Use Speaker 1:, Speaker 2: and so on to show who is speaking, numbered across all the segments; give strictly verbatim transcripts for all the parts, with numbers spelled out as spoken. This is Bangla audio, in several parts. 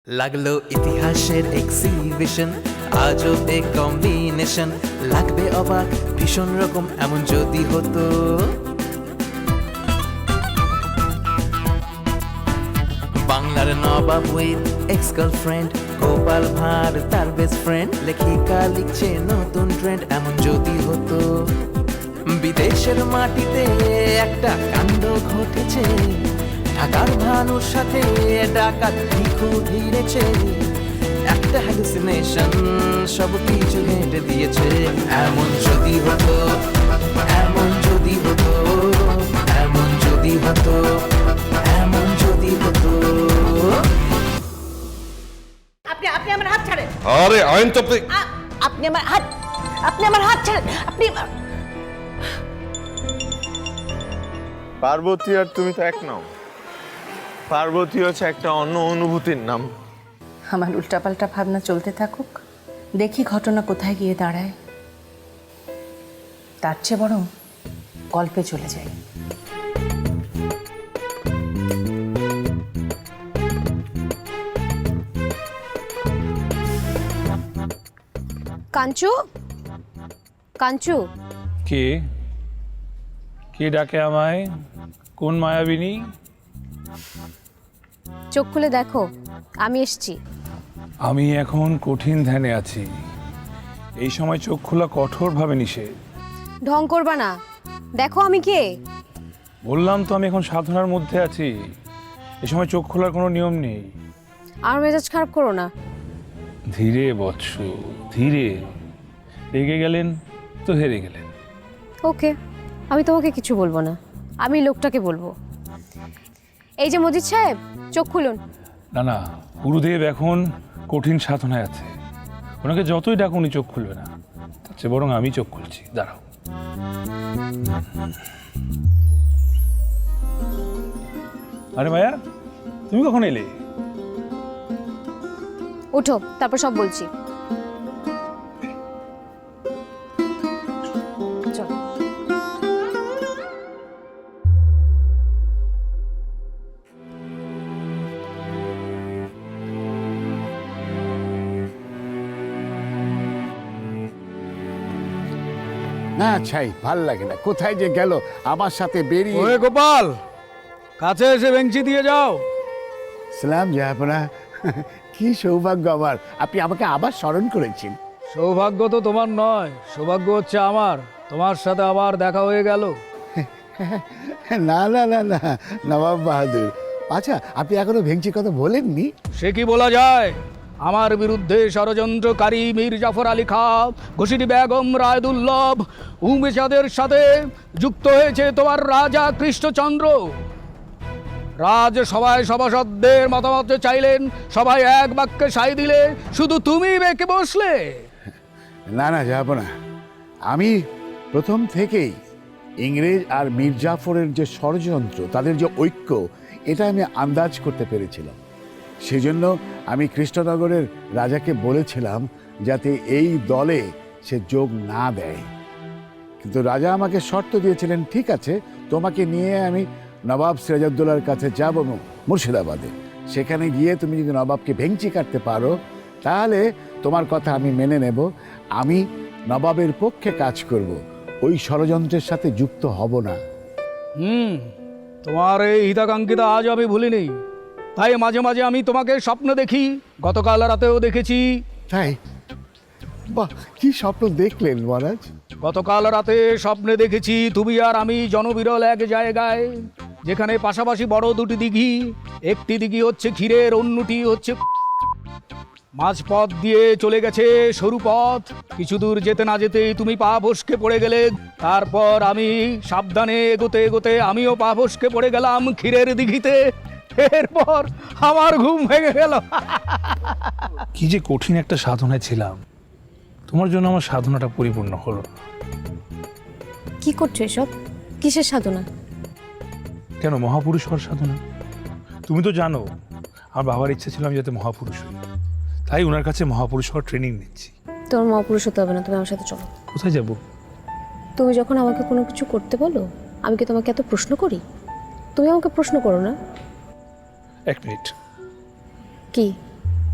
Speaker 1: লাগলো ইতিহাসের এক্সিবিশন, আজবে কম্বিনেশন, লাগবে অবাক ভীষণ রকম এমন যদি হতো। বাংলার নবাব with ex girlfriend, Gopal Bhar তার বেস্ট ফ্রেন্ড, লেখিকা লিখছে নতুন ট্রেন্ড এমন যদি হতো। বিদেশের মাটিতে একটা কাণ্ড ঘটেছে, ঢাকার ভানুর সাথে ডাকাত ভিখু ভিড়েছে, একটা হ্যালুসিনেশন সব কিছু হেঁটে দিয়েছে। এমন যদি হতো, এমন যদি হতো, এমন যদি হতো, এমন যদি হতো।
Speaker 2: আপনি আপনি আমার হাত ছাড়েন।
Speaker 3: আরে আইন তো আপনি
Speaker 2: আ- আপনি আমার হাত আপনি আমার হাত ছাড়েন। আপনি
Speaker 4: পার্বতী আর তুমি তো এক নাও। পার্বতী হচ্ছে একটা অন্য অনুভূতির নাম।
Speaker 5: আমার উল্টাপাল্টা ভাবনা চলতে থাকুক, দেখি ঘটনা কোথায় গিয়ে দাঁড়ায়। তার চেয়ে বরং গল্পে চলে যাই।
Speaker 6: কাঞ্চু, কাঞ্চু,
Speaker 7: কে কে ডাকে আমায়? কোন মায়াবিনী?
Speaker 6: চোখ খুলে দেখো, আমি এসছি।
Speaker 7: আমি এখন কঠিন ধ্যানে আছি। এই সময় চোখ খোলা কঠোরভাবে নিষেধ।
Speaker 6: ঢং করবা না, দেখো আমি কে।
Speaker 7: বললাম তো আমি এখন সাধনার মধ্যে আছি। এই সময় চোখ খোলার কোনো নিয়ম নেই।
Speaker 6: আর মেজাজ খারাপ করো না।
Speaker 7: ধীরে বৎস, ধীরে। রেগে গেলেন তো হেরে গেলেন।
Speaker 6: ওকে, আমি তোমাকে কিছু বলবো না, আমি লোকটাকে বলবো। এই যে মজিদ সাহেব, চোখ খুলুন।
Speaker 7: না না, গুরুদেব এখন কঠিন সাধনায় আছে। ওনাকে যতই ডাক উনি চোখ খুলবে না। তার চেয়ে বরং আমি চোখ খুলছি, দাঁড়াও। আরে মায়া, তুমি কখন এলে?
Speaker 6: উঠো, তারপর সব বলছি। চলো।
Speaker 8: না ছাই ভাল লাগে না, কোথায় যে গেল আমার সাথে বেরিয়ে।
Speaker 9: ওরে গোপাল, কাছে এসে বেঞ্চি দিয়ে যাও।
Speaker 8: সালাম জাহাপনা, কি সৌভাগ্য আমার, আপনি আমাকে আবার স্মরণ করেছেন।
Speaker 9: সৌভাগ্য তো তোমার নয়, সৌভাগ্য হচ্ছে আমার, তোমার সাথে আবার দেখা হয়ে গেল।
Speaker 8: না না না না নবাব বাহাদুর, আচ্ছা আপনি এখনো ভেঙচি কথা বলেননি?
Speaker 9: সে কি বলা যায়? আমার বিরুদ্ধে ষড়যন্ত্রকারী মীর জাফর আলী খাঁ, ঘুষিটি বেগম রায়দুল্লভ, উমেশাদের সাথে যুক্ত হয়েছে তোমার রাজা কৃষ্ণচন্দ্র। রাজ সভায় সভাসদদের মতামত চাইলেন, সবাই এক বাক্যে সাই দিলে, শুধু তুমি বেঁকে বসলে।
Speaker 8: না না জাহাপনা, আমি প্রথম থেকেই ইংরেজ আর মীর জাফরের যে ষড়যন্ত্র, তাদের যে ঐক্য, এটা আমি আন্দাজ করতে পেরেছিলাম। সেজন্য আমি কৃষ্ণনগরের রাজাকে বলেছিলাম যাতে এই দলে সে যোগ না দেয়। কিন্তু রাজা আমাকে শর্ত দিয়েছিলেন, ঠিক আছে তোমাকে নিয়ে আমি নবাব সিরাজউদ্দৌলার কাছে যাব মুর্শিদাবাদে, সেখানে গিয়ে তুমি যদি নবাবকে ভেঙচি কাটতে পারো তাহলে তোমার কথা আমি মেনে নেব, আমি নবাবের পক্ষে কাজ করব, ওই ষড়যন্ত্রের সাথে যুক্ত হব না।
Speaker 9: হুম, তোমার এই হিতাকাঙ্ক্ষিতা আজ আমি ভুলিনি। তাই মাঝে মাঝে আমি তোমাকে স্বপ্ন দেখি, গতকাল রাতেও দেখেছি।
Speaker 8: তাই? বাহ, কি স্বপ্ন দেখলেন মহারাজ?
Speaker 9: গতকাল রাতে স্বপ্নে দেখেছি তুমি আর আমি জনবিরল এক জায়গায়, যেখানে পাশাপাশি বড় দুটি দিঘি, একটি দিঘি হচ্ছে ক্ষীরের, অন্যটি হচ্ছে মাঝপথ দিয়ে চলে গেছে সরু পথ। কিছু দূর যেতে না যেতেই তুমি পা ফসকে পড়ে গেলে, তারপর আমি সাবধানে এগোতে এগোতে আমিও পা ফসকে পড়ে গেলাম ক্ষীরের দিঘিতে। এরপর আমার ঘুম ভেঙে গেল।
Speaker 7: কি যে কঠিন একটা সাধনায় ছিলাম, তোমার জন্য আমার সাধনাটা পরিপূর্ণ হলো।
Speaker 6: কি করছো এসব? কিসের সাধনা?
Speaker 7: কেন, মহাপুরুষ হওয়ার সাধনা। তুমি তো জানো আমার বাবার ইচ্ছা ছিল আমি যাতে মহাপুরুষ হই, তাই ওনার কাছে মহাপুরুষ হওয়ার ট্রেনিং নিচ্ছি।
Speaker 6: তোমার মহাপুরুষ হতে হবে না, তুমি আমার সাথে চলো।
Speaker 7: কোথায় যাব?
Speaker 6: তুমি যখন আমাকে কোনো কিছু করতে বলো, আমি কি তোমাকে এত প্রশ্ন করি? তুমি আমাকে প্রশ্ন করো না।
Speaker 7: এক মিনিট।
Speaker 6: কি?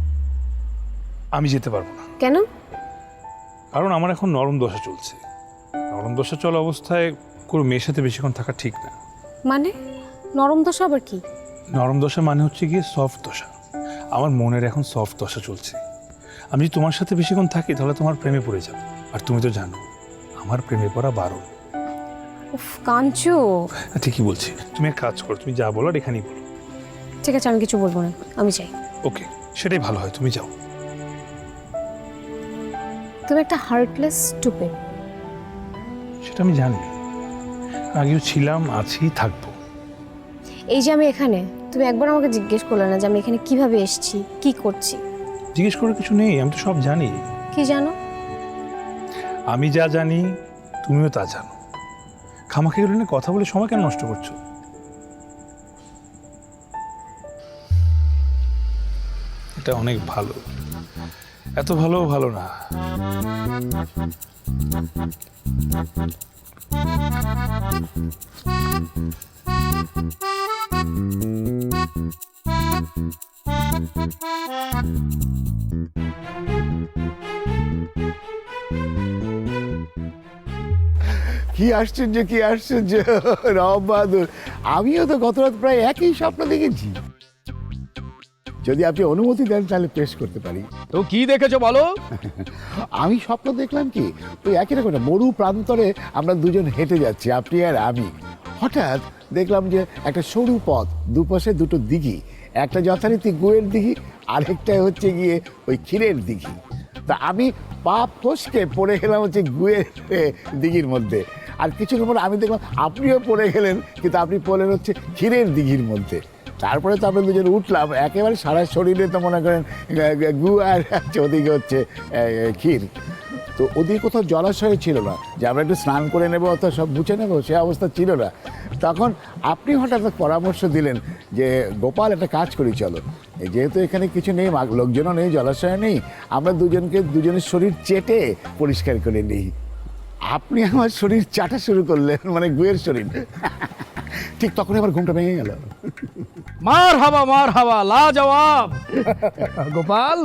Speaker 7: আমি যেতে পারবো না,
Speaker 6: কেন?
Speaker 7: কারণ আমার এখন নরম দশা চলছে। নরম দশা চলা অবস্থায় কোনো মেয়ের সাথে বেশিক্ষণ থাকা ঠিক না।
Speaker 6: মানে নরম দশা আবার কি?
Speaker 7: নরম দশা মানে হচ্ছে গিয়ে সফট দশা। আমার মনের এখন সফট দশা চলছে। আমি যদি তোমার সাথে বেশিক্ষণ থাকি তাহলে তোমার প্রেমে পড়ে যাবে, আর তুমি তো জানো আমার প্রেমে পড়া বারণ।
Speaker 6: উফ কাঞ্চু।
Speaker 7: ঠিকই বলছি, তুমি এক কাজ করো, তুমি যা বলার এখানেই বলো।
Speaker 6: ঠিক আছে, আমি কিছু বলবো না, আমি চাই।
Speaker 7: ওকে, সেটাই ভালো হয়, তুমি যাও।
Speaker 6: তুমি একটা হার্টলেস স্টুপিড।
Speaker 7: সেটা আমি জানি, আগেও ছিলাম, আছি, থাকবো।
Speaker 6: এই যে আমি এখানে, তুমি একবার আমাকে জিজ্ঞেস করলে না যে আমি এখানে কিভাবে এসেছি, কি করছি?
Speaker 7: জিজ্ঞেস করার কিছু নেই, আমি তো সব জানি।
Speaker 6: কি জানো?
Speaker 7: আমি যা জানি তুমিও তা জানো। খামাখা এগুলো নিয়ে কথা বলে সময় কেন নষ্ট করছো? এটা অনেক ভালো, এত ভালো ভালো না।
Speaker 8: কি আশ্চর্য, কি আশ্চর্য নবাব বাহাদুর, আমিও তো গত রাত প্রায় একই স্বপ্ন দেখেছি। যদি আপনি অনুমতি দেন তাহলে পেশ করতে পারি।
Speaker 9: তো কি দেখেছো বলো?
Speaker 8: আমি স্বপ্ন দেখলাম কি, ওই একই রকম একটা মরু প্রান্তরে আমরা দুজন হেঁটে যাচ্ছি, আপনি আর আমি। হঠাৎ দেখলাম যে একটা সরু পথ, দুপাশে দুটো দিঘি, একটা যথারীতি গুয়ের দিঘি, আরেকটা হচ্ছে গিয়ে ওই ক্ষীরের দিঘি। তা আমি পা ফসকে পড়ে গেলাম হচ্ছে গুয়ের এ, দিঘির মধ্যে। আর কিছুক্ষণ পর আমি দেখলাম আপনিও পড়ে গেলেন, কিন্তু আপনি পড়লেন হচ্ছে ক্ষীরের দিঘির মধ্যে। তারপরে তো আমরা দুজন উঠলাম, একেবারে সারা শরীরে তো মনে করেন গু আর হচ্ছে ওদিকে হচ্ছে ক্ষীর। তো ওদিকে কোথাও জলাশয় ছিল না যে আমরা একটু স্নান করে নেবো অথবা সব মুছে নেবো, সে অবস্থা ছিল না। তখন আপনি হঠাৎ পরামর্শ দিলেন যে গোপাল একটা কাজ করি চলো, যেহেতু এখানে কিছু নেই, লোকজনও নেই, জলাশয় নেই, আমরা দুজনকে দুজনের শরীর চেটে পরিষ্কার করে নিই। আপনি আমার শরীর চাটা শুরু করলেন, মানে গুয়ের শরীর। ঠিক তখন আবার ঘুমটা ভেঙে গেল।
Speaker 9: মার হাবা মার হাবা লাজবাব গোপাল।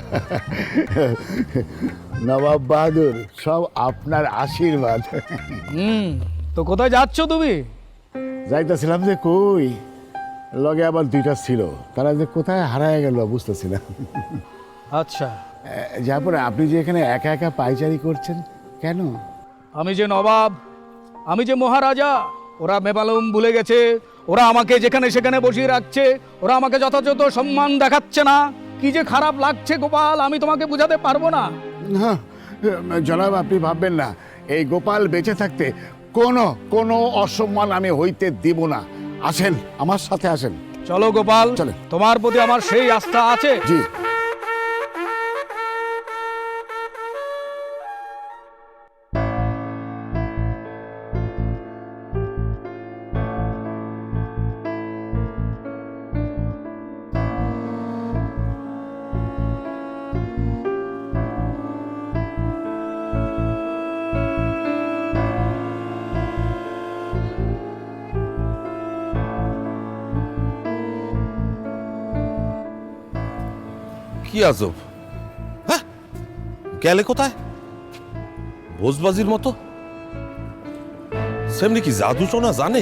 Speaker 8: নবাব বাহাদুর, সব আপনার আশীর্বাদ।
Speaker 9: হুম, তো কোথায় যাচ্ছ তুমি?
Speaker 8: যাইতেছিলাম যে কই, লগে আবার দুইটা ছিল, তারা যে কোথায় হারায় গেল বুঝতেছি না।
Speaker 9: আচ্ছা,
Speaker 8: যারপর আপনি যে এখানে একা একা পাইচারি করছেন কেন?
Speaker 9: আমি যে নবাব, আমি যে মহারাজা, ওরা মেবালুম ভুলে গেছে। ওরা আমাকে যেখানে সেখানে বসিয়ে রাখছে, ওরা আমাকে যথাযথ সম্মান দেখাচ্ছে না। কি যে খারাপ লাগছে গোপাল, আমি তোমাকে বোঝাতে পারবো না।
Speaker 8: না জনাব, আপনি ভাববেন না, এই গোপাল বেঁচে থাকতে কোনো কোনো অসম্মান আমি হইতে দিব না। আসেন, আমার সাথে আসেন।
Speaker 9: চলো গোপাল,
Speaker 8: চলেন।
Speaker 9: তোমার প্রতি আমার সেই আস্থা আছে।
Speaker 8: জি।
Speaker 3: কি আজব, হ্যাঁ গেলে কোথায়? ভোজবাজির মতো সেমনি কি জাদু টোনা জানে?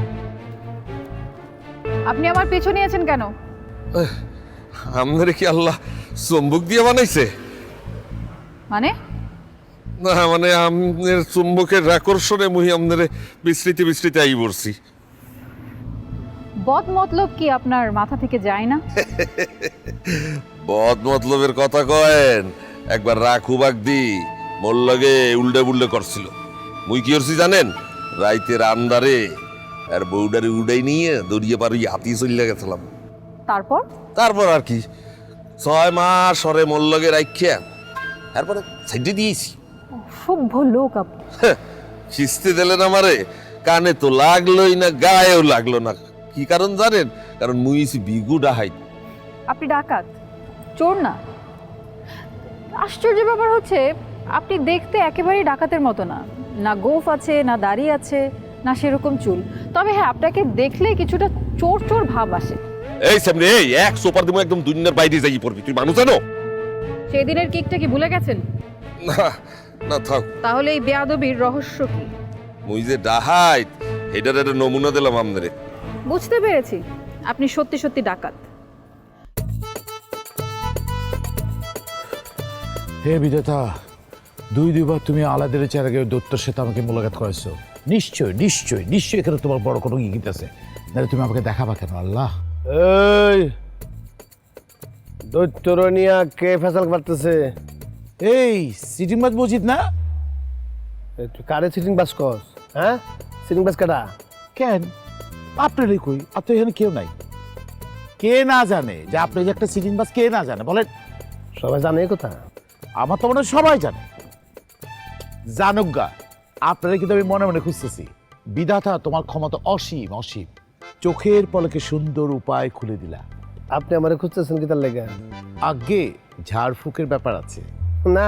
Speaker 2: আপনি আমার পিছু নিয়েছেন কেন?
Speaker 3: আমাদের কি আল্লাহ চুম্বক দিয়ে বানাইছে?
Speaker 2: মানে
Speaker 3: না মানে আমাদের চুম্বকের আকর্ষণে মুহি আমাদের বিস্তৃতি বিস্তৃতি আই পড়ছি।
Speaker 2: বদ মতলব কি আপনার মাথা থেকে যায় না?
Speaker 3: বদ মতলবের কথা কয়েন, একবার রাখুবাক দি মোর লগে উল্টে বুল্টে করছিল। মুই কি করছি জানেন? রাইতের আন্দারে আর বউডারে উড়াই নিয়ে দড়িয়ে পারি হাতি চলে গেছিলাম।
Speaker 2: তারপর
Speaker 3: তারপর আর কি, ছয় মাস সরে মোর লগে রাখিয়া তারপরে সাইডে দিয়েছি।
Speaker 2: সভ্য লোক আপনি।
Speaker 3: খিস্তি দিলেন আমারে, কানে তো লাগলোই না, গায়েও লাগলো না। কি কারণ জানেন? কারণ মুইছি বিগু ডাহাই।
Speaker 2: আপনি ডাকাত, চোর না। আশ্চর্য ব্যাপার হচ্ছে, আপনি দেখতে একেবারেই ডাকাতের মতো না। না গোফ আছে, না দাড়ি আছে, না সেরকম চুল। তবে হ্যাঁ, আপনাকে দেখলে কিছুটা চোর চোর ভাব আসে।
Speaker 3: এই সামনে এই এক সোপার দিমো, একদম দুনিয়ার বাইরে যাই পড়বি। তুই মানুষ জানো?
Speaker 2: সেদিনের কিকটা কি ভুলে গেছেন?
Speaker 3: না না থাক,
Speaker 2: তাহলে এই বেয়াদবির রহস্য কি?
Speaker 3: মুই যে ডাহাইত এটার একটা নমুনা দিলাম আমদারে।
Speaker 2: বুঝতে পেরেছি আপনি সত্যি সত্যি ডাকাত।
Speaker 8: হে বিধাতা, দুই দুইবার তুমি আলাদের চেহারা দত্তর সাথে আমাকে মোলাকাত করেছো। নিশ্চয় নিশ্চয় নিশ্চয়ই এখানে তোমার বড় কোনো ইঙ্গিত আছে, নাহলে তুমি আমাকে দেখাবা কেন? আল্লাহ,
Speaker 10: এই দৈত্যরনিয়া কে ফেসাল করতেছে?
Speaker 8: এই সিটিং মাছ মসজিদ না?
Speaker 10: তুই কারে সিটিং বাস কস? হ্যাঁ, সিটিং বাস কাটা?
Speaker 8: কেন আপনারই কই? আর তো এখানে কেউ নাই। কে না জানে যে আপনি যে একটা সিটিং বাস? কে না জানে বলেন?
Speaker 10: সবাই জানে এই কথা।
Speaker 8: আমার তো মনে হয় সবাই জানে। জানুক গা, আপনারা কিন্তু আমি মনে মনে খুঁজতেছি। বিধাতা তোমার ক্ষমতা অসীম অসীম, চোখের পলকে সুন্দর উপায় খুলে দিলা।
Speaker 10: আপনি আমারে খুঁজতেছেন কি তার লেগে?
Speaker 8: আগে ঝাড়ফুঁকের ব্যাপার আছে
Speaker 10: না,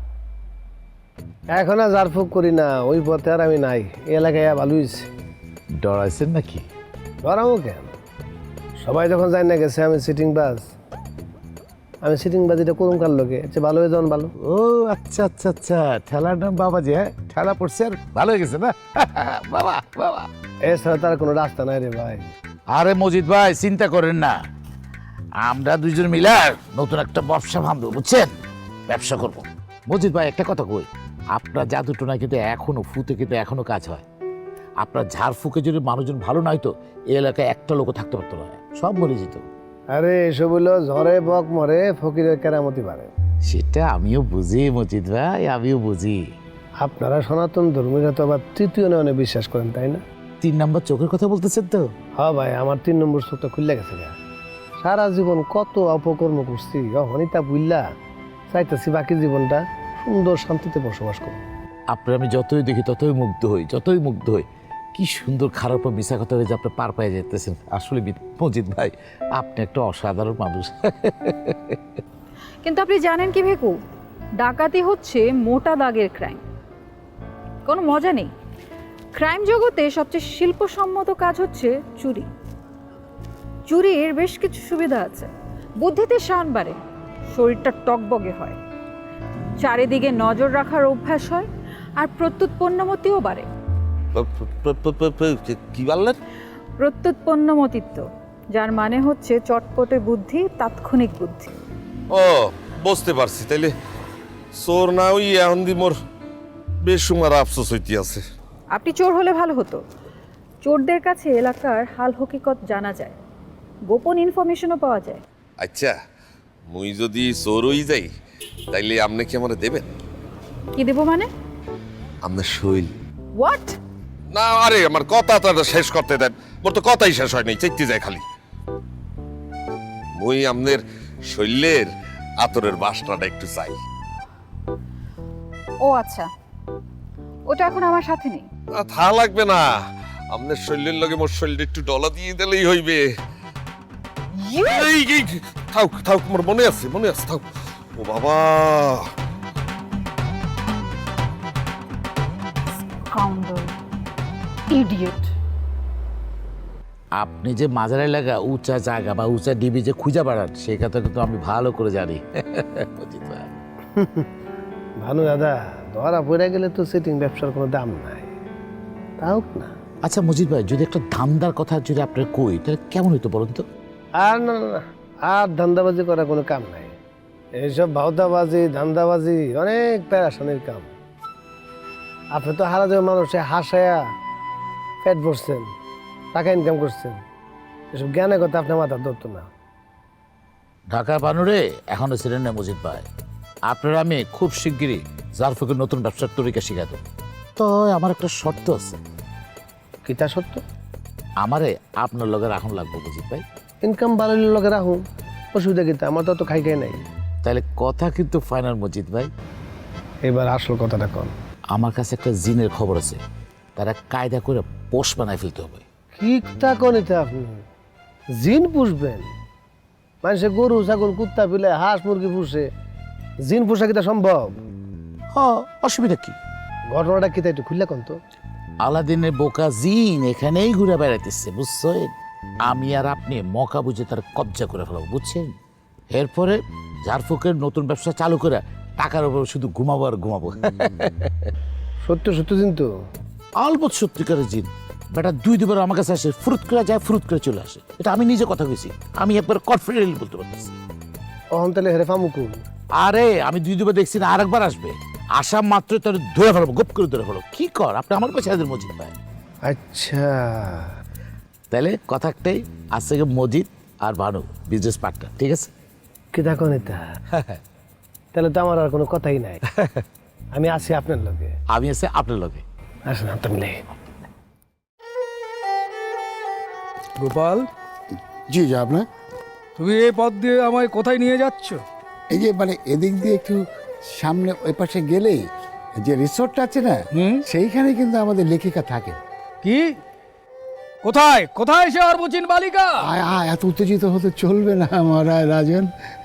Speaker 10: এখন আর ঝাড়ফুঁক করি না, ওই পথে আর আমি নাই। এই এলাকায় ভালো হয়েছে।
Speaker 8: ডরাইছেন নাকি?
Speaker 10: ধরামো কেন? সবাই যখন জানি না গেছে আমি সিটিং বাস, আমি সিটিং বাজিটা করুন কার লোকে, যে ভালো হয়ে যান ভালো।
Speaker 8: ও আচ্ছা আচ্ছা আচ্ছা, ঠেলার নাম বাবাজি। হ্যাঁ, ঠেলা পড়ছে আর ভালো হয়ে গেছে না? বাবা বাবা,
Speaker 10: এছাড়া তার কোনো রাস্তা নাই রে ভাই।
Speaker 8: আরে মজিদ ভাই চিন্তা করেন না, আমরা দুইজন মিলে নতুন একটা ব্যবসা ভাববো, বুঝছেন? ব্যবসা করব। মজিদ ভাই একটা কথা কই, আপনার জাদুটোনা কিন্তু এখনো ফুতে কিন্তু এখনো কাজ হয়। আপনার ঝাড়ফুঁকে যদি মানুষজন ভালো নাই তো এই এলাকায় একটা লোকও থাকতে পারতো না, সব মরে যেত।
Speaker 10: আরে এসব হইলো ঝড়ে বক মরে, ফকিরের কেরামতি বাড়ে।
Speaker 8: সেটা আমিও বুঝি মজিদ ভাই, আমিও বুঝি।
Speaker 10: আপনারা সনাতন ধর্মীরা তো আবার তৃতীয় নয়নে বিশ্বাস করেন, তাই না?
Speaker 8: তিন নাম্বার চোখের কথা বলতেছেন তো?
Speaker 10: হ্যাঁ ভাই, আমার তিন নম্বর চোখটা খুললে গেছে গা। সারা জীবন কত অপকর্ম করছি, অনিতা বুল্লা চাইতেছি বাকি জীবনটা সুন্দর শান্তিতে বসবাস করব।
Speaker 8: আপনার আমি যতই দেখি ততই মুগ্ধ হই, যতই মুগ্ধ হই। কি সুন্দর খারাপ ও মিশা কথা হয়ে যে আপনি পার পায়ে যেতেছেন। আসলে মজিদ ভাই আপনি একটা অসাধারণ মানুষ।
Speaker 2: কিন্তু আপনি জানেন কি ভেকু, ডাকাতি হচ্ছে মোটা দাগের ক্রাইম, কোনো মজা নেই। ক্রাইম জগতে সবচেয়ে শিল্পসম্মত কাজ হচ্ছে চুরি। চুরির বেশ কিছু সুবিধা আছে। বুদ্ধিতে শান বাড়ে, শরীরটা টকবগে হয়, চারিদিকে নজর রাখার অভ্যাস হয়, আর প্রত্যুৎপন্নমতিও বাড়ে।
Speaker 3: কি বললেন?
Speaker 2: প্রত্যুৎপন্নমতিত্ব, যার মানে হচ্ছে চটপটে বুদ্ধি, তাৎক্ষণিক বুদ্ধি।
Speaker 3: ও বুঝতে পারছি, তাইলে চোর না ওই এখন দি মোর বেশ সময় আফসোস হইতে আছে।
Speaker 2: আপনি চোর হলে ভালো হতো। চোরদের কাছে এলাকার হাল হকিকত জানা যায়, গোপন ইনফরমেশনও পাওয়া যায়।
Speaker 3: আচ্ছা, মুই যদি চোর হই যাই তাইলে আপনি কি আমার দেবেন?
Speaker 2: কি দেব মানে?
Speaker 3: আপনার শৈল।
Speaker 2: হোয়াট?
Speaker 3: না আরে আমার কথা তো শেষ করতে দেন, মোর তো কথাই শেষ হয় নাই, চেকতে যায় খালি। মুই আপনার শৈলের আতরের বাসনাটা একটু চাই।
Speaker 2: ও আচ্ছা, ওটা এখন আমার সাথে নেই।
Speaker 3: না থা লাগবে না, আপনার শৈলের লগে মোর শৈলটা একটু ডলা দিয়ে দিলেই হইবে। এই এই থাক থাক, মোর মনে আছে মনে আছে, থাক। ও বাবা,
Speaker 2: কাউন্ডার, ইডিয়েট।
Speaker 8: আপনি যে মাজার এলাকা উঁচা জায়গা বা উঁচা ডিবি যে খুঁজা বেড়ান সেই কথা কিন্তু আমি ভালো করে জানি। মজিদ ভাই,
Speaker 10: ভানু দাদা, ধরা পড়ে গেলে তো সিটিং ব্যবসার কোনো দাম নাই, তাও না।
Speaker 8: আচ্ছা মজিদ ভাই, যদি একটা ধান্দার কথা যদি আপনার কই তাহলে কেমন হইতো বলুন তো?
Speaker 10: আর না না না, আর ধান্দাবাজি করার কোনো কাম নাই। এইসব ভাওতাবাজি ধান্দাবাজি অনেক প্যারাশানির কাম। আপনি তো হারা যাওয়া মানুষে হাসায়া পেট ভরছেন, টাকা ইনকাম করছেন, এসব জ্ঞানের কথা আপনার মাথার ধরতো না।
Speaker 8: ঢাকার বানুরে এখনো ছিলেন না মজিদ ভাই। আপনারা আমি খুব শিগগিরই জারফুকের নতুন ব্যবসার তরিকা শিখাত। তো আমার একটা শর্ত আছে।
Speaker 10: কিতা সত্য?
Speaker 8: আমারে আপনার লগে রাখুন লাগবো মজিদ ভাই।
Speaker 10: ইনকাম বাড়ানোর লগে রাখুন, অসুবিধা কিতা? আমার তো অত খাই খাই নাই।
Speaker 8: তাহলে কথা কিন্তু ফাইনাল মজিদ ভাই।
Speaker 10: এবার আসল কথাটা কন।
Speaker 8: আমার কাছে একটা জিনের খবর আছে, তারা কায়দা করে পোষ বানায় ফেলতে হবে।
Speaker 10: ঠিকটা কনিতে আপনি জিন পুষবেন? মানুষে গরু ছাগল কুত্তা পিলে হাঁস মুরগি পুষে, জিন পোষা কিতা সম্ভব?
Speaker 8: হ, অসুবিধা কি?
Speaker 10: ঘটনাটা কিতা একটু খুললে কন তো।
Speaker 8: আলাদিনের বোকা জিন এখানেই ঘুরে বেড়াইতেছে, বুঝছেন? আমি আর আপনি মকা বুঝে তার কবজা করে ফেলাবো, বুঝছেন? এরপরে ঝাড়ফুঁকের নতুন ব্যবসা চালু করে টাকার উপর শুধু ঘুমাবো আর ঘুমাবো।
Speaker 10: সত্য সত্য কিন্তু
Speaker 8: আলবৎ সত্যিকারের জিন। বেটা দুই দুবার আমার কাছে আসে, ফ্রুট করে যায়, ফ্রুট করে চলে আসে। এটা আমি নিজে কথা কইছি, আমি একবার কনফিডেন্টলি বলতে পারতেছি।
Speaker 10: অহন তাহলে হেরে ফামুকুল।
Speaker 8: আরে আমি দুই দুবার দেখছি না, আরেকবার আসবে। আসা মাত্র তোর ধরে ফেলবো, গোপ করে ধরে ফেলো। কি কর আপনি আমার কাছে হাজির মজিদ ভাই।
Speaker 10: আচ্ছা
Speaker 8: তাহলে কথা একটাই, আজ থেকে মজিদ আর ভানু বিজনেস পার্টনার, ঠিক আছে?
Speaker 10: কি দেখো নেতা, তাহলে তো আমার আর কোনো কথাই নাই। আমি আছি আপনার লগে।
Speaker 8: আমি আছে আপনার লগে।
Speaker 10: আসেন তাহলে।
Speaker 9: গোপাল,
Speaker 8: জি যা আপনার।
Speaker 9: তুমি এই পথ দিয়ে আমায় কোথায় নিয়ে যাচ্ছ?
Speaker 8: এই যে মানে এদিক দিয়ে একটু সামনে ওই পাশে গেলেই যে রিসোর্টটা আছে না, সেইখানে কিন্তু আমাদের লেখিকা থাকে।
Speaker 9: কি? কোথায় কোথায় সে অর্বচীন বালিকা?
Speaker 8: আয় আয়, এত উত্তেজিত হতে চলবে না মহারাজ রাজন।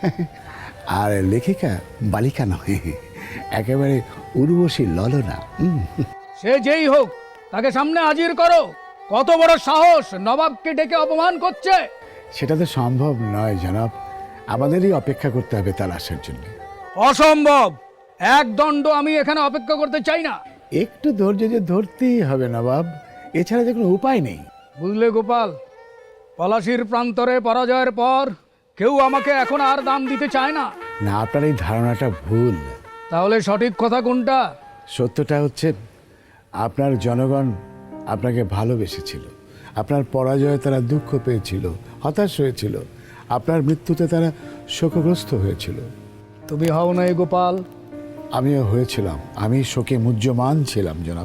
Speaker 8: আর লেখিকা বালিকা নয়, একেবারে উর্বশী ললনা। হুম।
Speaker 9: সে যেই হোক, তাকে সামনে হাজির করো। কত বড় সাহস, নবাবকে ডেকে অপমান করছে।
Speaker 8: সেটা তো সম্ভব নয় জনাব, আমাদেরই অপেক্ষা করতে হবে তার আসার জন্য।
Speaker 9: অসম্ভব। এক দণ্ড আমি এখানে অপেক্ষা করতে চাই না।
Speaker 8: একটু ধৈর্য যে ধরতেই হবে নবাব, এছাড়া যে কোনো উপায় নেই।
Speaker 9: বুঝলে গোপাল, পলাশির প্রান্তরে পরাজয়ের পর কেউ আমাকে এখন আর দাম দিতে চায় না।
Speaker 8: না, আপনার এই ধারণাটা ভুল।
Speaker 9: তাহলে সঠিক কথা কোনটা?
Speaker 8: সত্যটা হচ্ছে আপনার জনগণ আপনাকে ভালোবেসেছিল। আপনার পরাজয়ে তারা দুঃখ পেয়েছিল, হতাশ হয়েছিল। আপনার মৃত্যুতে তারা শোকগ্রস্ত হয়েছিল।
Speaker 9: তুমি হও নাই গোপাল?
Speaker 8: আমিও হয়েছিলাম, আমি শোকে মুহ্যমান ছিলাম জনাব।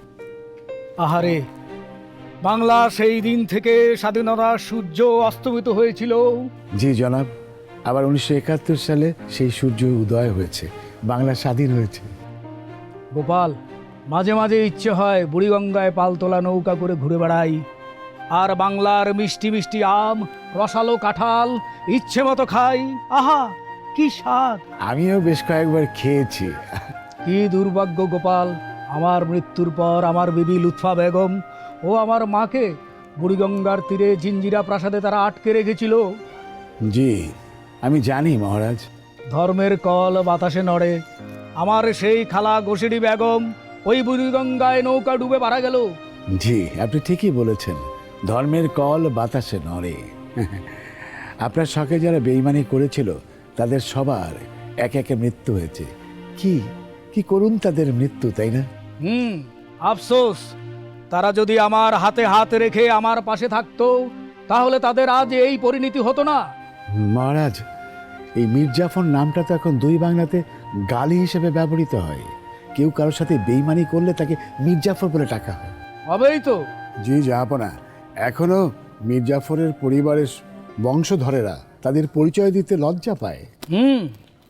Speaker 9: আহারে, বাংলা সেই দিন থেকে স্বাধীনতার সূর্য অস্তমিত হয়েছিল।
Speaker 8: জি জনাব, আবার উনিশশো একাত্তর সালে সেই সূর্য উদয় হয়েছে, বাংলা স্বাধীন হয়েছে।
Speaker 9: গোপাল, মাঝে মাঝে ইচ্ছে হয় বুড়িগঙ্গায় পালতোলা নৌকা করে ঘুরে বেড়াই, আর বাংলার মিষ্টি মিষ্টি আম, রসালো কাঁঠাল ইচ্ছে মতো খাই। আহা, কি স্বাদ!
Speaker 8: আমিও বেশ কয়েকবার খেয়েছি।
Speaker 9: কি দুর্ভাগ্য গোপাল, আমার মৃত্যুর পর আমার বিবি লুৎফা বেগম ও আমার মাকে বুড়িগঙ্গার তীরে জিঞ্জিরা প্রাসাদে তারা আটকে রেখেছিল।
Speaker 8: জি আমি জানি মহারাজ।
Speaker 9: ধর্মের কল বাতাসে নড়ে। আমার সেই খালা গোসেডি বেগম ওই বুড়িগঙ্গায় নৌকা ডুবে মারা গেল।
Speaker 8: জি আপনি ঠিকই বলেছেন, ধর্মের কল বাতাসে নড়ে। আপনার শখে যারা বেইমানি করেছিল তাদের সবার একে একে মৃত্যু হয়েছে। কি কি করুন তাদের মৃত্যু, তাই না?
Speaker 9: হুম, আফসোস। তারা যদি আমার হাতে হাত রেখে আমার পাশে থাকতো, তাহলে তাদের আজ এই পরিণতি হতো না।
Speaker 8: মহারাজ, এই মির্জাফর নামটা তো এখন দুই বাংলাতে গালি হিসেবে ব্যবহৃত হয়। কেউ কারোর সাথে বেইমানি করলে তাকে মির্জাফর বলে ডাকা হয়।
Speaker 9: হবেই তো।
Speaker 8: জি জাহাপনা, এখনো মির্জাফরের পরিবারের বংশধরেরা তাদের পরিচয় দিতে লজ্জা পায়।
Speaker 9: হুম।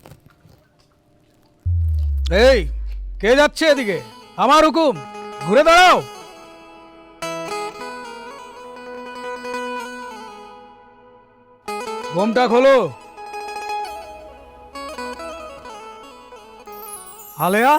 Speaker 9: এই, কে যাচ্ছে এদিকে? আমার হুকুম, ঘুরে দাঁড়াও। ঘোমটা খোলো। হালেয়া,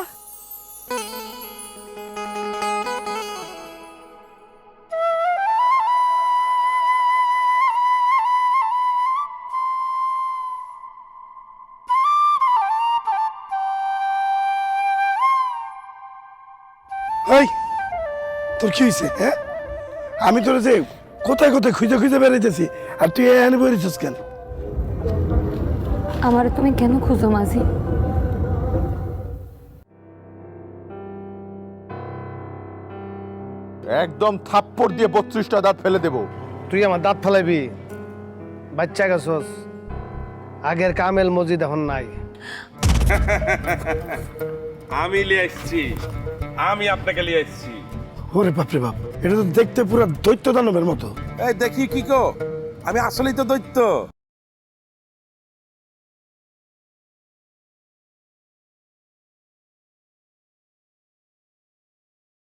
Speaker 11: ওই তোর কি হয়েছে? হ্যাঁ, আমি তোর যে কোথায় কোথায় খুঁজে খুঁজে বেড়াইতেছি, আর তুই এখানে বেরিয়েছিস কেন?
Speaker 6: আমার তুমি কেন খুঁজো মাঝি?
Speaker 12: একদম থাপ্পড় দিয়ে বত্রিশটা দাঁত ফেলে দেবো।
Speaker 10: তুই আমার দাঁত ফেলাইবি? বাচ্চা গেছস, আগের কামেল মজিদ এখন নাই।
Speaker 12: আমি লিয়ে এসছি, আমি আপনাকে লিয়ে এসছি।
Speaker 11: ওরে বাপরে বাপ, এটা তো দেখতে পুরো দৈত্য দানবের মতো।
Speaker 12: এই দেখি কি কো, আমি আসলেই তো দৈত্য।